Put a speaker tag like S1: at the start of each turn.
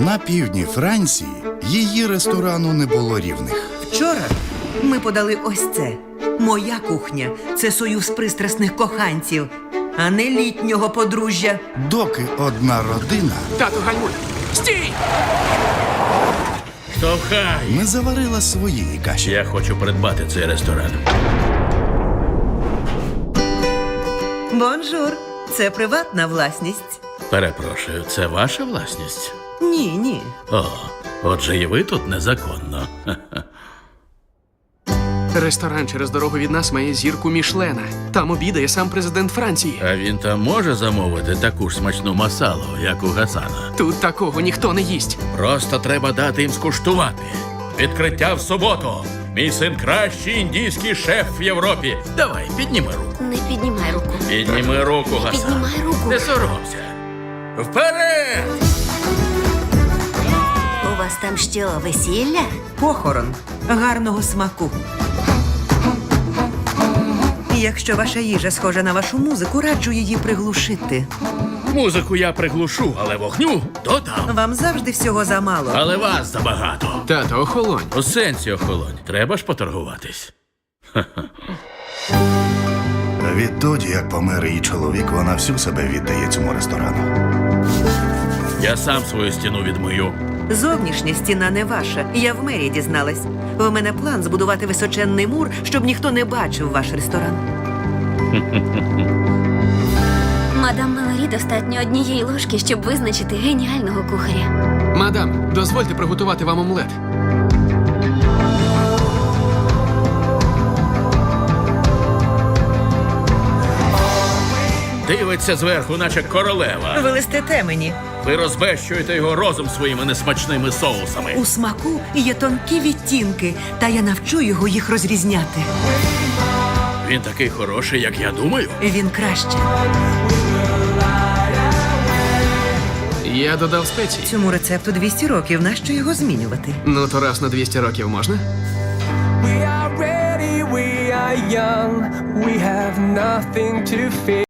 S1: На півдні Франції її ресторану не було рівних.
S2: Вчора ми подали ось це. Моя кухня – це союз пристрасних коханців, а не літнього подружжя.
S1: Доки одна родина
S3: Тату, гальмуй! Стій!
S4: Штовхай!
S1: не заварила своєї каші.
S4: Я хочу придбати цей ресторан.
S2: Бонжур, це приватна власність.
S4: Перепрошую, це ваша власність?
S2: Ні.
S4: О, отже, і ви тут незаконно. Ха-ха.
S3: Ресторан через дорогу від нас має зірку Мішлена. Там обідає сам президент Франції.
S4: А він там може замовити таку ж смачну масалу, як у Гасана?
S3: Тут такого ніхто не їсть.
S4: Просто треба дати їм скуштувати. Відкриття в суботу. Мій син кращий індійський шеф в Європі. Давай, підніми руку.
S5: Не піднімай руку.
S4: Підніми руку, Гасан.
S5: Піднімай руку.
S4: Не соромся. Вперед!
S5: У вас там що, весілля?
S2: Похорон гарного смаку. Якщо ваша їжа схожа на вашу музику, раджу її приглушити.
S4: Музику я приглушу, але вогню додам.
S2: Вам завжди всього замало.
S4: Але вас забагато.
S3: Тато, охолонь.
S4: У сенсі охолонь. Треба ж поторгуватись.
S1: Відтоді, як помер її чоловік, вона всю себе віддає цьому ресторану.
S4: Я сам свою стіну відмию.
S2: Зовнішня стіна не ваша. Я в мерії дізналась. У мене план збудувати височенний мур, щоб ніхто не бачив ваш ресторан.
S5: Мадам Мелорі достатньо однієї ложки, щоб визначити геніального кухаря.
S3: Мадам, дозвольте приготувати вам омлет.
S4: Дивиться зверху, наче королева.
S2: Ви листите мені.
S4: Ви розбещуєте його розум своїми несмачними соусами.
S2: У смаку є тонкі відтінки, та я навчу його їх розрізняти.
S4: Він такий хороший, як я думаю.
S2: Він краще.
S3: Я додав спеції.
S2: Цьому рецепту 200 років. Нащо його змінювати?
S3: Ну, то раз на 200 років можна?
S6: We are ready, we are young, we have nothing to fear.